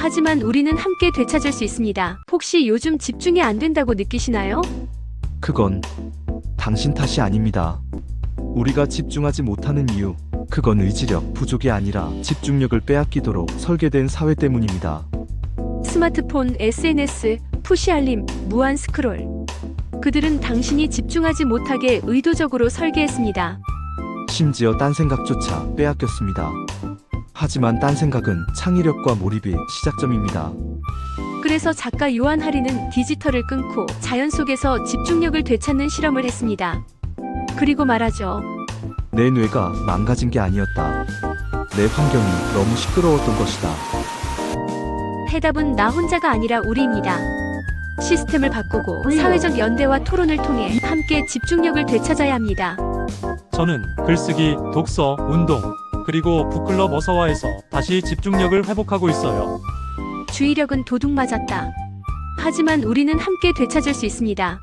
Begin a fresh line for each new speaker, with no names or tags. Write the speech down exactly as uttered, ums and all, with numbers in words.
하지만 우리는 함께 되찾을 수 있습니다. 혹시 요즘 집중이 안 된다고 느끼시나요?
그건 당신 탓이 아닙니다. 우리가 집중하지 못하는 이유, 그건 의지력 부족이 아니라 집중력을 빼앗기도록 설계된 사회 때문입니다.
스마트폰, 에스엔에스, 푸시 알림, 무한 스크롤. 그들은 당신이 집중하지 못하게 의도적으로 설계했습니다.
심지어 딴 생각조차 빼앗겼습니다. 하지만 딴 생각은 창의력과 몰입의 시작점입니다.
그래서 작가 요한 하리는 디지털을 끊고 자연 속에서 집중력을 되찾는 실험을 했습니다. 그리고 말하죠.
내 뇌가 망가진 게 아니었다. 내 환경이 너무 시끄러웠던 것이다.
해답은 나 혼자가 아니라 우리입니다. 시스템을 바꾸고 사회적 연대와 토론을 통해 함께 집중력을 되찾아야 합니다.
저는 글쓰기, 독서, 운동, 그리고 북클럽 어서와에서 다시 집중력을 회복하고 있어요.
주의력은 도둑 맞았다. 하지만 우리는 함께 되찾을 수 있습니다.